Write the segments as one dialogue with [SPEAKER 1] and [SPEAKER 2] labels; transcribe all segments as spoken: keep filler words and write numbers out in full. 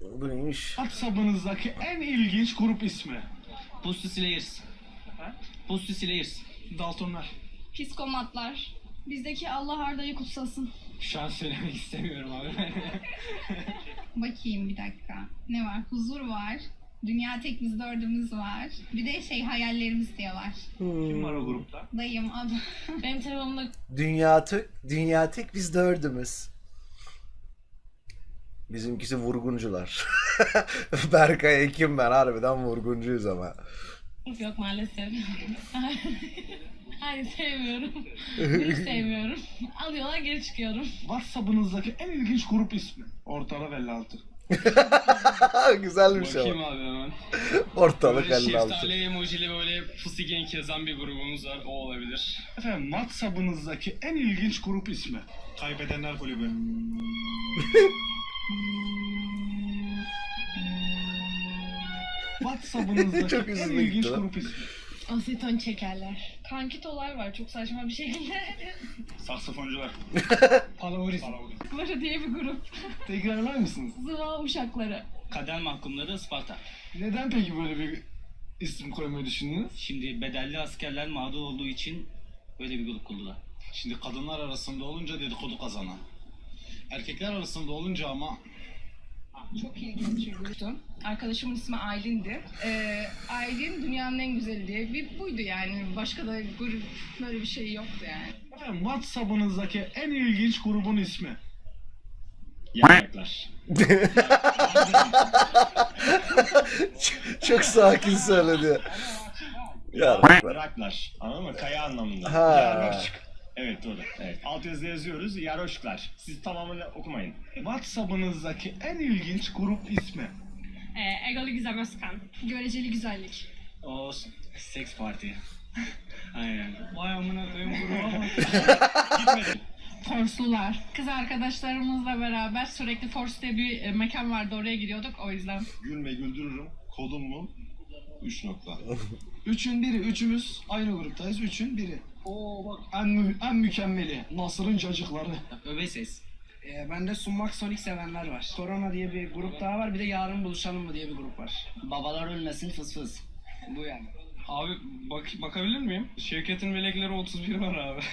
[SPEAKER 1] Bu neymiş?
[SPEAKER 2] WhatsApp'ınızdaki en ilginç grup ismi.
[SPEAKER 3] Pussy Slayers. Pussy Slayers.
[SPEAKER 2] Daltonlar.
[SPEAKER 4] Psikomatlar. Bizdeki Allah Arda'yı kutsasın.
[SPEAKER 3] Şu an söylemek istemiyorum abi.
[SPEAKER 5] Bakayım bir dakika. Ne var? Huzur var. Dünya tek biz dördümüz var. Bir de şey hayallerimiz diye var.
[SPEAKER 2] Kim var o grupta?
[SPEAKER 5] Dayım adı.
[SPEAKER 4] Benim telefonumda
[SPEAKER 1] Dünya tek, dünya tek biz dördümüz. Bizimkisi vurguncular. Berkay Ekim ben harbiden vurguncuyuz ama.
[SPEAKER 4] yok maalesef. Hayır sevmiyorum. Hiç sevmiyorum. Alıyorlar geri çıkıyorum.
[SPEAKER 2] WhatsApp'ınızdaki en ilginç grup ismi. Ortalı elli altı.
[SPEAKER 1] Güzelmiş ama.
[SPEAKER 3] Bakayım abi hemen.
[SPEAKER 1] Ortalık
[SPEAKER 3] Böyle
[SPEAKER 1] elli altı.
[SPEAKER 3] şeftali emojili böyle pussy gang yazan bir grubumuz var. O olabilir.
[SPEAKER 2] Efendim WhatsApp'ınızdaki en ilginç grup ismi. Kaybedenler Kulübü. WhatsApp'ınızdaki
[SPEAKER 1] Çok
[SPEAKER 2] en
[SPEAKER 1] üzüldüm
[SPEAKER 2] ilginç
[SPEAKER 1] lan.
[SPEAKER 2] grup ismi.
[SPEAKER 4] Aseton çekerler. Kankitolar var çok saçma bir şekilde.
[SPEAKER 2] Saksafoncular. Palavris.
[SPEAKER 4] Uşakları diye bir grup.
[SPEAKER 2] Tekrarlar mısınız?
[SPEAKER 4] Zıva uşakları.
[SPEAKER 3] Kader mahkumları Isparta.
[SPEAKER 2] Neden peki böyle bir isim koymayı düşündünüz?
[SPEAKER 3] Şimdi bedelli askerler mağdur olduğu için böyle bir grup kurdular.
[SPEAKER 2] Şimdi kadınlar arasında olunca dedikodu kazanan. Erkekler arasında olunca ama
[SPEAKER 6] Çok ilginç bir gruptu. Arkadaşımın ismi Aylin'di. Ee, Aylin dünyanın en güzeli diye bir buydu yani. Başka da grup böyle bir şey yoktu yani.
[SPEAKER 2] efendim WhatsApp'ınızdaki en ilginç grubun ismi.
[SPEAKER 3] Yarraklar.
[SPEAKER 1] Çok sakin söyledi. Ya.
[SPEAKER 7] Yaraklar. Anladın mı? Kaya anlamında.
[SPEAKER 1] Ha.
[SPEAKER 7] Yaroşk. Evet doğru. Evet. Alt yazıda yazıyoruz. Yaroşklar. Siz tamamını okumayın.
[SPEAKER 2] WhatsApp'ınızdaki en ilginç grup ismi.
[SPEAKER 4] Ee, Egolu Gizem Özkan.
[SPEAKER 6] Göreceli güzellik.
[SPEAKER 3] O seks parti. Aynen. Vay amına koyayım gruba.
[SPEAKER 5] Forslular. Kız arkadaşlarımızla beraber sürekli Fors diye bir e, mekan vardı, oraya gidiyorduk o yüzden.
[SPEAKER 7] Gülme güldürürüm. Kodum mu? Üç nokta.
[SPEAKER 2] Üçün biri. Üçümüz aynı gruptayız. Üçün biri. Oo bak en, mü- en mükemmeli. Nasır'ın cacıkları.
[SPEAKER 3] Öbe ses.
[SPEAKER 8] Ee, bende sunmak sonik sevenler var. Korona diye bir grup daha var. Bir de yarın buluşalım mı diye bir grup var.
[SPEAKER 3] Babalar ölmesin fıs fıs.
[SPEAKER 8] Bu yani.
[SPEAKER 3] Abi bak bakabilir miyim? Şevket'in melekleri otuz bir var abi.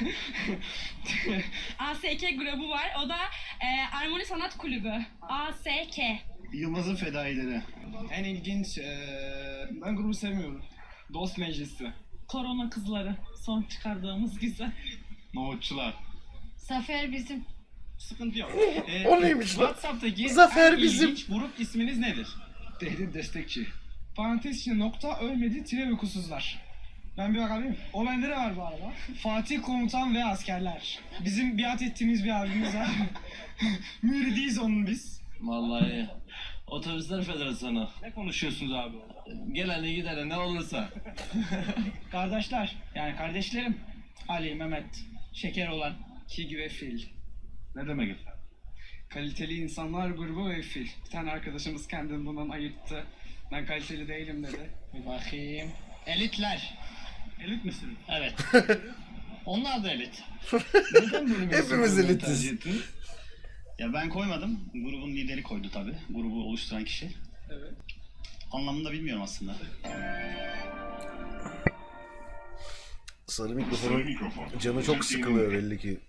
[SPEAKER 4] A S K grubu var. O da e, Armoni Sanat Kulübü. A S K.
[SPEAKER 7] Yılmaz'ın fedaileri.
[SPEAKER 8] En ilginç... Ee, ben grubu sevmiyorum.
[SPEAKER 3] Dost meclisi.
[SPEAKER 4] Korona kızları. Son çıkardığımız güzel.
[SPEAKER 2] Nohutçular.
[SPEAKER 5] Zafer bizim.
[SPEAKER 3] Sıkıntı yok. Ee,
[SPEAKER 1] O neymiş lan?
[SPEAKER 3] WhatsApp'taki
[SPEAKER 1] Zafer
[SPEAKER 3] en
[SPEAKER 1] bizim.
[SPEAKER 3] ilginç grup isminiz nedir?
[SPEAKER 2] Tehdit destekçi.
[SPEAKER 8] Parantez içinde nokta ölmedi tire uykusuzlar. Ben bir bakayım. O bende de var bu arada. Fatih Komutan ve Askerler. Bizim biat ettiğimiz bir abimiz var. Müridiyiz onun biz.
[SPEAKER 9] Vallahi Otobüsler Federasyonu.
[SPEAKER 3] Ne konuşuyorsunuz abi?
[SPEAKER 9] Gelene gidene ne olursa.
[SPEAKER 8] Kardeşler, yani kardeşlerim. Ali, Mehmet, Şeker olan, Kig ve Fil.
[SPEAKER 2] Ne demek efendim?
[SPEAKER 8] Kaliteli insanlar grubu ve Fil. Bir tane arkadaşımız kendini bundan ayırttı. Ben kaliteli değilim dedi. Bir bakayım. Elitler.
[SPEAKER 2] Elit misin?
[SPEAKER 3] Evet. Onlar da elit.
[SPEAKER 2] Neden böyle bir isim
[SPEAKER 1] Hepimiz
[SPEAKER 2] koymayı
[SPEAKER 1] elitiz.
[SPEAKER 2] tercih ettiniz?
[SPEAKER 7] Ya ben koymadım. Grubun lideri koydu tabi. Grubu oluşturan kişi.
[SPEAKER 8] Evet.
[SPEAKER 7] Anlamını da bilmiyorum aslında.
[SPEAKER 1] Sarı mikrofonun canı çok sıkılıyor belli ki.